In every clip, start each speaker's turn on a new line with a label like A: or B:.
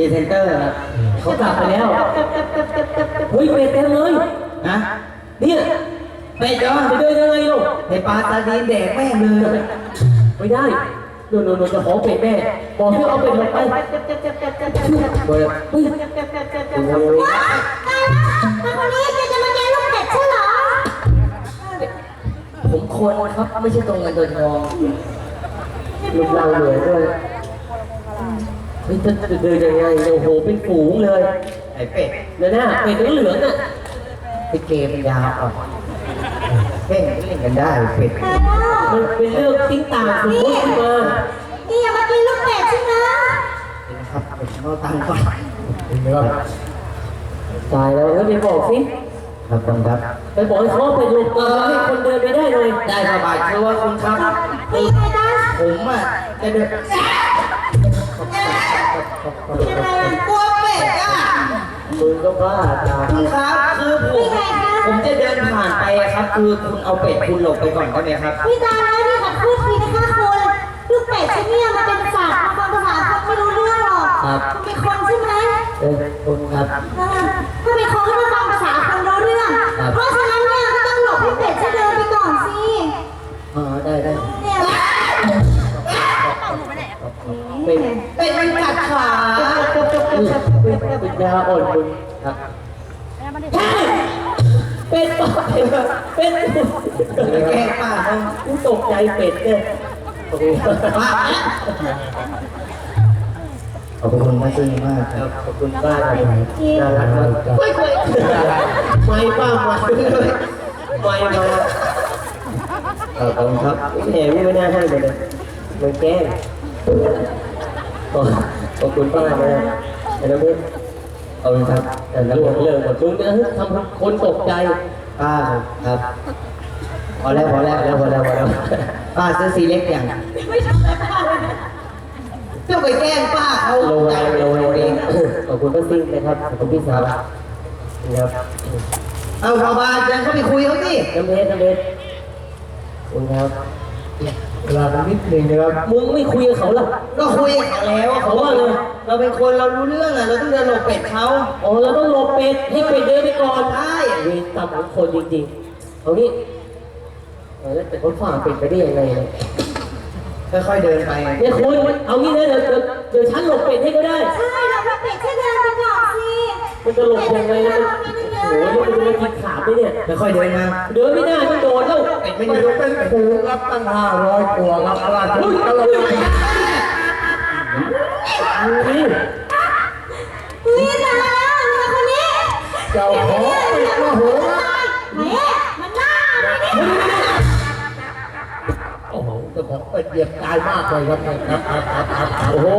A: เซนเตอร์ครับ
B: เขากลับไปแล้วเฮ้ยเป็ดเต็มเลย
A: นะ
B: เนี่ย
A: เป็ดเหรอ
B: จะเดินยังไงลูก
A: ในปลาซาดีนแดกแม่งเลย
B: ไม่ได้โน่นจะขอเป็ดแม่บอกให้เอาเป็ดลงไป
A: เฮ้ย
C: ว้าวแต่คนนี้จะมาแกลูกเป็ดใช่เหรอ
A: ผมคนครับไม่ใช่ตรงเงินตัวทอง
B: ลูกเราเหลือด้วยเฮ้ยจะเดินยังไงโอ้โหเป็นฝูงเลย
A: ไอ้เป็ด
B: เนี่ยนะเป็ดเหลืองๆน่ะ
A: ไปเกมยาวอ่ะเล่นกันได้เป็ด
B: มันเป็นเรื่องติ้งต่างสมมติขึ้นมา
C: นี่อย่ามากินลูกเป็ดใช่ไหม
A: ครับเอาตังค์ก่อน
B: ตายแล้วไปบอกสิ
A: ครับต้องครับ
B: ไปบอกให้เขาไปลงตัวให้คนเดินไปได้เลย
A: ได้สบายคือว่าคุณครับ
C: มีใครได้
A: ผมอ่ะจะเดินกลัวเป็ดอ่ะ
B: มึงก็บ้าจ้า
A: คุณครับคือผมจะเดินผ่านไปครับคือคุณเอาเป็ดคุณหลบไปก่อนได้ไหมครับ
C: พี่ตาแล้วนี่ขัดพูดทีนะคะคุณลูกเป็ดที่นี่มันเป็นสัตว์มาฟังภาษาคนไม่รู้เรื่องหรอกเป็นคนใช่ไหม
A: คุณครับ
C: ถ้าเป็นคนก็ต้องฟังภาษาคนรู้เรื่องเพราะฉะนั้นเนี่ยก็ต้องหลบให้เป็ดจะเดินไปก่อนสิ
A: ได้
C: เนี่ย
A: เป็ดมันกัดขา
B: เป็นยาอ่อนมึงครับเป็ดป้าเป็ด
A: แก้ป้า
B: กูตกใจเป็ดเนี่ย
A: ป้าขอบคุณมากจริงมากครับ
B: ขอบคุณป้าน่ารักมากไม่ป้ามาไม่มา
A: ขอบคุณครับ
B: แหมไม่น่าให้เลยมันแก้ขอบคุณป้านะแล้วพี่
A: ขอบคุณครับ
B: แต่แล้วเรื่องหมดลุงนะทำคนตกใจ
A: ป้าครับพอแล้วป้าซื้อซีเล็กอย่าง
C: ไม่ทำอะไรป้าเลย
A: จะไปแกล้งป้าเขา
B: โลเองขอบคุณป้าซิ่งนะครับขอบคุณพี่สาวนะครับ
A: เอาชาวบ้านเดินเข้าไปคุยเขาสิ
B: น้ำเพชรคุณครับ
A: เวลาเป็นนิดนึงนะครับ
B: มึงไม่คุยกับเขาหรอ
A: ก็คุยกันแล้วเขาว่าเลยเราเป็นคนเรารู้เรื่องอ่ะเราต้องเดินหลบเป็ดเขา
B: เราต้องหลบเป็ดให้เป็ดเดินไปก่อน
A: ใช่
B: เวรกรรมของคนจริงๆเอางี้แล้วแต่เขาฝ่าเป็ดไปได้ยังไงเนี่ย
A: ค่อยๆเดินไป
B: เนี่ยคุณเอางี้นะเดี๋ยวฉันหลบเป็ดให้ก็ได้
C: ใช่เราเป็ดแค่เดินไปก่อนสิ
B: มันจะหลบยังไงนะโอ้โหมันจะกินขาไปเนี่ย
A: ค่อยๆเดินมา
B: เดินไม่ได้ต้องโดดแล้ว
A: เป็ดไม่รู้เป็นปูรับตั้ง500ตัวครับอะไรทุกคน
C: นี่นะคนนี้
A: เจ้าของเป็ดมาโห
C: ไหนมันน่า
A: โอ้โหเจ้าของเป็ดเหยียบตายมากเลยครับ
B: โอ้โห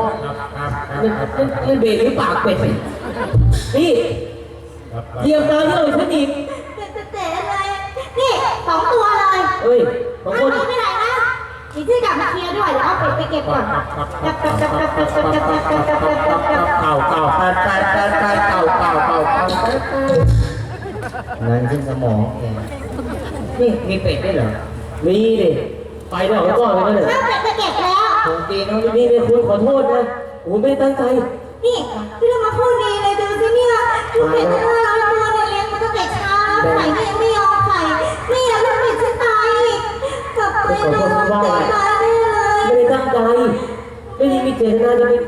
B: มันเบรกหรือปากเป็ดนี่เหยียบตายเยอะฉันอีก
C: เตะเลยนี่2 ตัวเลย
B: เฮ้ย2 คน
C: ไม่ไหนนะมีที่กลับมาเคลียร์ด้วยแล้วเอาไปเก็บก่อนเ
A: งินขึ้นสมองนี่มีเป็ดด้วยเหรอ
B: มีดิไปแล้วเขาก็ไปนั่นแหละ
C: เป็ดไปเก็บแล้ว
A: ผมตีน้อง
B: นี่คุณขอโทษนะผมไม่ได้ตั้งใจ
C: นี่ที่เรามาพูดดีเลยดูสิเนี่ยลูกเป็ด500 ตัวเนี่ยเลี้ยงมาตั้งแต่เช้าไข่เนี่ยไม่ยอมไข่นี่ลูกเป็ดฉันตายอีกกลับไปโดนตายแน่เลย
B: ไม่ได้ตั้งใจไม่ได้มีเจตนาจะไป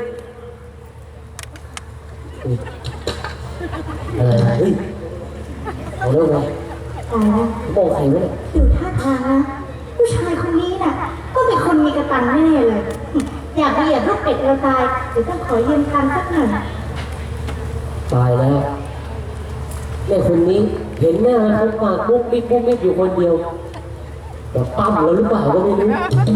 B: เฮ้ยเอาเรื่องไงบอกใครวะเนี่ย
C: ดูท่าทางนะผู้ชายคนนี้น่ะก็เป็นคนมีกระตังแน่เลยอยากเหยียบลูกเป็ดเราตายเดี๋ยวต้องขอยืมตังค์สักหน่อย
B: ตายแล้วแม่คนนี้เห็นหน้าเขาปากปุ๊บปิ๊บอยู่คนเดียวแต่ปั๊มเราหรือเปล่าก็ไม่รู้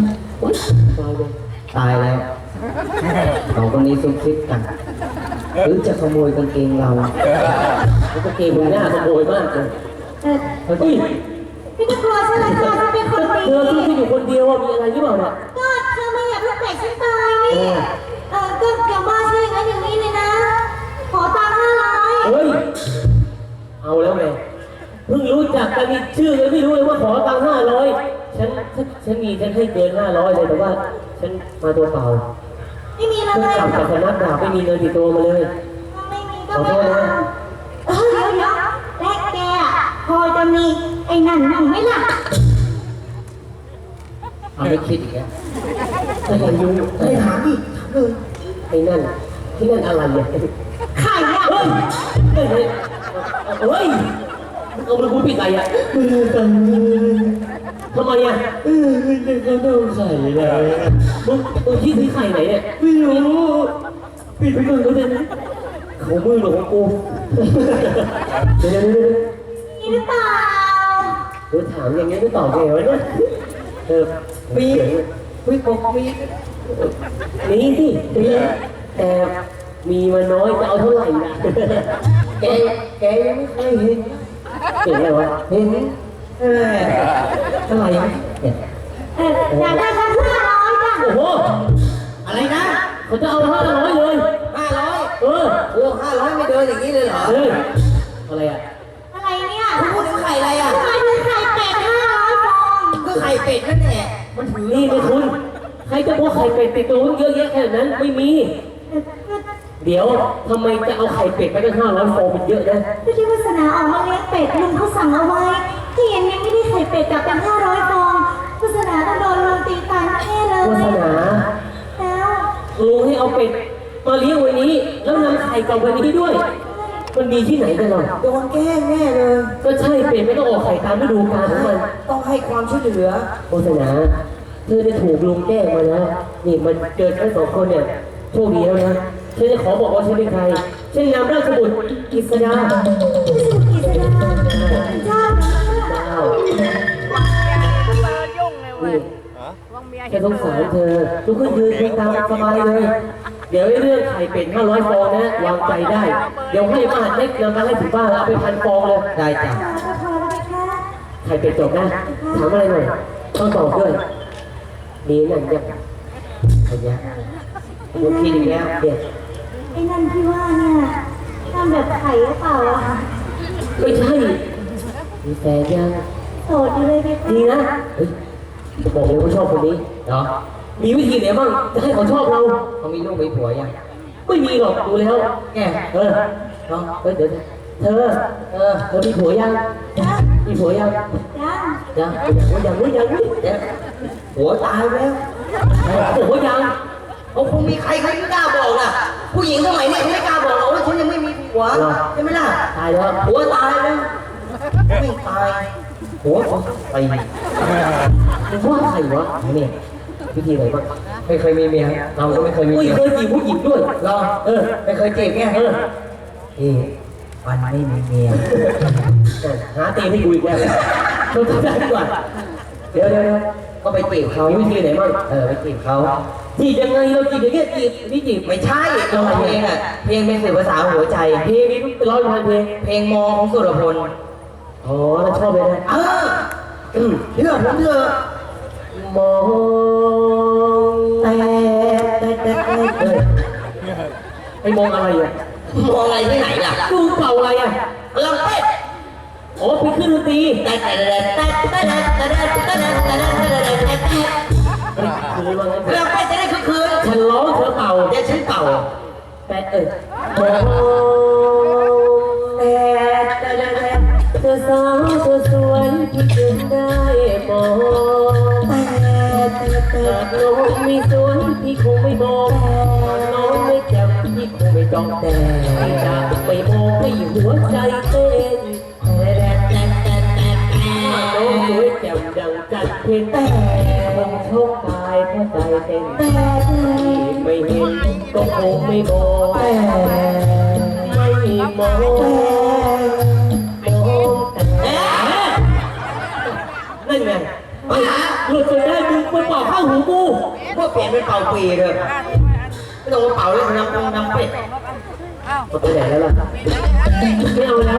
A: ตายแล้วสองคนนี้ซุ่มซิดกันหรือจะขโมยกางเกงเรา
B: กางเกงมึงหน้าขโมยมากเลย
C: เฮ้ยพี่จะกลัวใช่ไหมคะถ้าเป็นคนดี
B: เธอที่อยู่คนเดียวมีอะไรหรือเปล่าเนี่ย
C: ก็เธอไม่อยากลูกเป็ดฉันตายนี่ก็อย่ามาใช่งั้นอย่างนี้เลยนะขอตังค์500
B: เฮ้ยเอาแล้วไงเพิ่งรู้จักกันมีชื่อเลยไม่รู้เลยว่าขอตังค์500ฉันให้เกิน500เลยแต่ว่าฉันมาตัวเปล่า
C: ไม่มีเล
B: เพิ่ง
C: ย
B: กลับจากสำนักดาบไม่มีเงินติดตัวมาเลย
C: ไม่มีก็ไม่เอาเดี๋ยวและแกอ่ะพอจะมีไอ้นั่นนั่งไหมล่ะ
A: เอาไม่คิดอีกแล้ว
B: ไม่เห็นยุ่ง
A: ไม่ถามดิถามเลย
B: ไอ้นั่นที่นั่นอะไรเนี่ย
C: ไข่อ่ะ
B: เฮ้ยเฮ้ยเฮ้ยเอาไปพูดผิดอะไรอ่ะทำไมอ่ะเขาโดนไข่เลยมึงที่ซื้อไข่ไหนเนี่ยไม่รู้ปิดไปก่อนเขาเนี่ยเขามือหรือของกูเดี๋ยว
C: นี่หรือเปล่า
B: เดี๋ยวถามอย่างนี้ไม่ตอบไงวะเนี่ยมีบอกมีสิแต่มีมาน้อยจะเอาเท่าไหร่ล่ะแกยังไม่เคยเห็นอะไรวะเห็นเท่าไหร่เนี่ย
C: อยากได้สัก500จ้ะ
B: โอ้โห
A: อะไรนะ
B: เขาจะเอา500เลย
A: 500
B: โอ้
A: 500ไม่เดินอย่างนี้เลยเหรอ
B: เฮ้ยอะไรอ่ะ
C: อะไรเนี่ย
A: พูดถึงไข่อะไรอ่ะ
C: ทำไมถึงไข่เป็ด500ฟอง
A: ก็ไข่เป็ดนั่นแหละมันถือ
B: นี่ไม่คุณใครจะพกไข่เป็ดติดตัวเยอะแยะขนาดนั้นไม่มี เดี๋ยวทำไมจะเอาไข่เป็ดไปตั้ง500ฟองเป็นเยอะนะ
C: ก็ที่วาสนาออกมาเลี้ยงเป็ดลุงเขาสั่งเอาไว้ที่เย็นนี้ไม่ได้ไข่เป็ดกลับเป็น500ฟองวาสนาต้องโดนลุงตีตายแน่เลยว
B: าสนา
C: แล้ว
B: ลุงให้เอาเป็ดมาเลี้ยงไว้นี้ แล้วนำไข่กลับไว้นี้ด้วย มันมีที่ไหนกันหรอ
A: โดนแกล้งแน่เลย
B: ก็ใช่เป็ดไม่ต้องออกไข่ตามฤดูกาลของมัน
A: ต้องให้ความช่วยเหลือ
B: วาสนาเธอได้ถูกลุงแกล้งมาแล้วนี่มันเจอทั้งสองคนเนี่ยโชคดีแล้วนะฉันจะขอบอกว่าฉันเป็นใครฉันนามราชบุตรกฤษดา
C: กิษดาเจ้า
B: ดาว
D: ยุ่งเลยเว้ย
B: นี่
D: วังเมีย
B: แค่สงสารเธอทุกคนยืนตามสบายเลย เดี๋ยวเรื่องไข่เป็ด500ฟองนะวางใจได้ เดี๋ยวให้บ้านเล็กนำมาให้ถึงบ้านแล้วเอาไป1,000ฟองเลย
A: ได้จ้ะ
C: ก็พอแล้วไหมคะ
B: ไข่เป็ดจบนะถามอะไรหน่อยต้องตอบด้วยดีนั่นยังไอ้ยะลูกพี่ดีแล้วเด็ด
C: ไอ้นั่นที่ว่าเนี่ยทำแบบไข่หรือเปล่าอ่ะ
B: ไม่ใช่มีแฟนยัง
C: โสดอยู่เลยไหมคะ
B: ดีนะเฮ้ยจะบอกเลยว่าชอบคนนี้
A: เหรอ
B: มีวิธีไหนบ้างจะให้เขาชอบเรา
A: เขามีลูกมีผัวยัง
B: ไม่มีหรอกดูแล้ว
A: แก
B: เออเนาะเดี๋ยวเธอมีผัวยัง
C: จ้า
B: มีผัวยัง
C: จ้า
B: ยังไม่
A: เดี๋ยวผัวตายแล้ว
B: ผัวยัง
A: เขาคงมีใครเขาไม่กล้าบอกนะผู้หญิงสมัยนี้เขาไม่กล้าบอกหรอกว่าฉันยังไม่มีผัวใช่ไหมล่ะ
B: ตายแล้ว
A: ผัวตายแล้วไม่ตายผัวไป
B: มึงว่าใครวะเนี่ยวิธีไหนบ้าง
A: ไม่เคยมีเมียเราก็ไม่เคยมี
B: ไม่
A: เมีย
B: เคยจีบผู้หญิงด้วย
A: รอไม่เคยจีบไงวันไม่มีเมีย
B: หาตีให้กูอีกแล้วต้องทำได้ดีกว่าเดี๋ยว
A: ก็ไปจีบเขา
B: มีวิธีไหนบ้าง
A: ไปจีบเขา
B: จีบยังไงเราจีบอย่างเงี้ยจีบนี่จีบ
A: ไม่ใช่เราเพลงอ่ะเพลงเป็นสื่อภาษาหัวใจ
B: เพลงนี้เป็น100,000เพลง
A: เพลงมองของสุรพล
B: อ๋อแล้วชอบเลยนะ
A: เชื่อผมเถอะ
B: มองแต่ไอ้มองอะไรอ่ะ
A: มองอะไรที่ไหนล่ะ
B: ดูเป่าอะไรอ่ะ
A: ลำเป็ด
B: อ๋อเป็นเครื่องดนตรี
A: แต่
B: คือว่าไง
A: ลำเป็ดจะได้คืน
B: ฉันร้องเธอเป่า
A: เดี๋ยวฉันเป่า
B: แต่มองเธอสาวเธอสวยที่จึงได้มองหากน้องมีสวยพี่คงไม่มองน้องไม่จำพี่คงไม่จ้องแต่จะไม่มองให้หัวใจเต้นน้องสวยแจ่มดังจันทร์เพ็ญแต่คงโชคตายเพราะใจเต้นที่ไม่เห็นก็คงไม่มองไม่มองนั่นไงหลุดไปได้มึงไปเป่าข้างหูกู
A: ก็เปลี่ยนเป็นเป่าปีเลยไม่ต้องมาเป่าเลยน้ำเป็ด
B: ไปไหนแล้วล่ะไม่เอาแล้ว